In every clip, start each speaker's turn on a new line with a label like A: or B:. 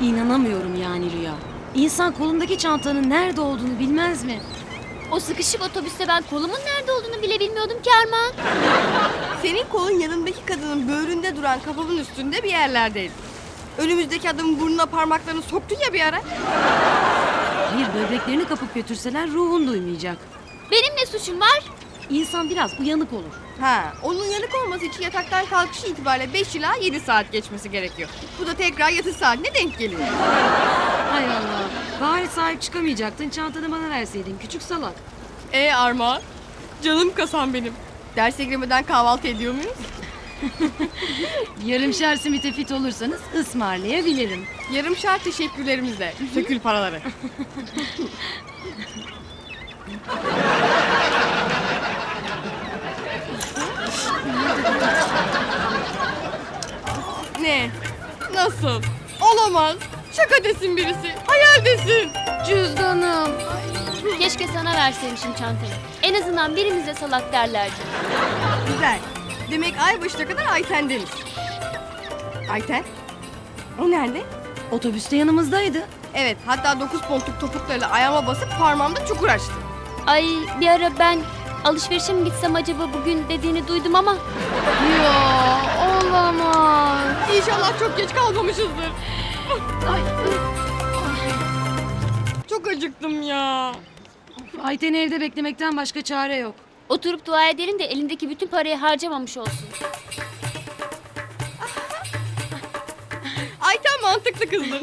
A: İnanamıyorum yani Rüya. İnsan kolundaki çantanın nerede olduğunu bilmez mi?
B: O sıkışık otobüste ben kolumun nerede olduğunu bile bilmiyordum ki Armağan.
C: Senin kolun yanındaki kadının böğründe duran kafamın üstünde bir yerlerdeydi. Önümüzdeki adamın burnuna parmaklarını soktun ya bir ara.
A: Hayır, böbreklerini kapıp götürseler ruhun duymayacak.
B: Benim ne suçum var?
A: İnsan biraz uyanık olur.
C: Ha, onun yanık olması için yataktan kalkışı itibariyle 5 ila 7 saat geçmesi gerekiyor. Bu da tekrar yatış saatine denk geliyor.
A: Hay Allah. Bari sahip çıkamayacaktın, çantanı bana verseydin küçük salak.
C: Armağan, canım kasam benim. Derse girmeden kahvaltı ediyor muyuz?
A: Yarımşar simite fit olursanız ısmarlayabilirim.
C: Yarım şart teşekkürlerimizle. Sökül paraları. Ne? Nasıl? Olamaz. Şaka desin birisi. Hayal desin.
A: Cüzdanım.
B: Keşke sana verseymişim çantayı. En azından birimize salak derlerdi.
C: Güzel. Demek ay başına kadar Ayten'deniz. Ayten? O nerede?
A: Otobüste yanımızdaydı.
C: Evet, hatta 9 pontluk topuklarıyla ayağıma basıp parmağımda çukur açtı.
B: Ay bir ara ben alışverişe mi gitsem acaba bugün dediğini duydum ama.
A: Ya olamaz.
C: İnşallah çok geç kalmamışızdır.
A: Ay.
C: Çok acıktım ya.
A: Ayten'i evde beklemekten başka çare yok.
B: Oturup dua edelim de elindeki bütün parayı harcamamış olsun.
C: Ayten mantıklı kızdır.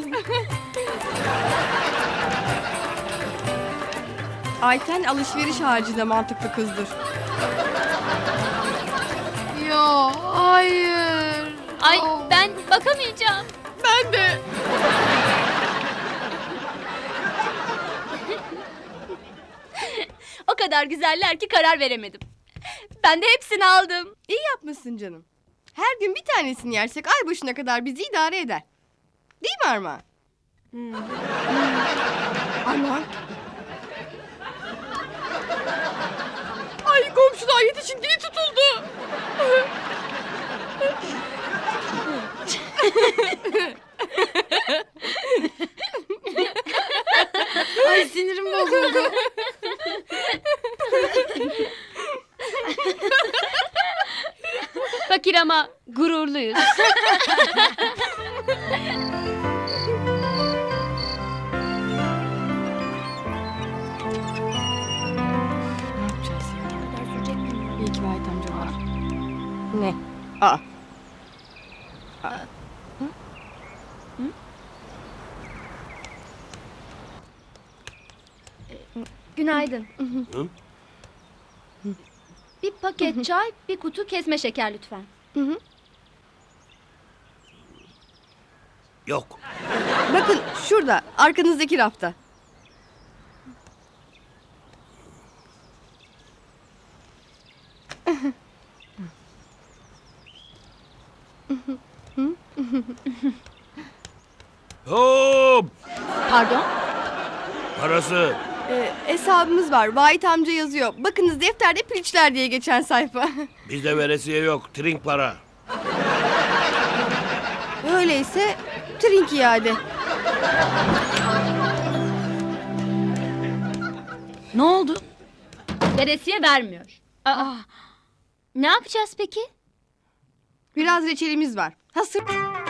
C: Ayten alışveriş haricinde mantıklı kızdır.
A: Ya hayır.
B: Ay ben bakamayacağım.
C: Ben de.
B: O kadar güzeller ki karar veremedim. Ben de hepsini aldım.
C: İyi yapmışsın canım. Her gün bir tanesini yersek ay başına kadar bizi idare eder. Değil mi Armağan? Armağan. Ay komşular yetişin, dili tutuldu.
A: Ay sinirim bozuldu.
B: Fakir ama gururluyuz.
A: Ne yapacağız ya? İyi ki Vahit amca var.
C: Ne? Aa.
B: Günaydın. Bir paket çay, bir kutu kesme şeker lütfen.
D: Yok.
C: Bakın şurada, arkanızdaki rafta.
D: Hop!
B: Pardon?
D: Parası.
C: Hesabımız var. Vahit amca yazıyor. Bakınız defterde piliçler diye geçen sayfa.
D: Bizde veresiye yok. Trink para.
C: Öyleyse trink iade.
A: Ne oldu?
B: Veresiye vermiyor. Aa, ne yapacağız peki?
C: Biraz reçelimiz var. Hasır.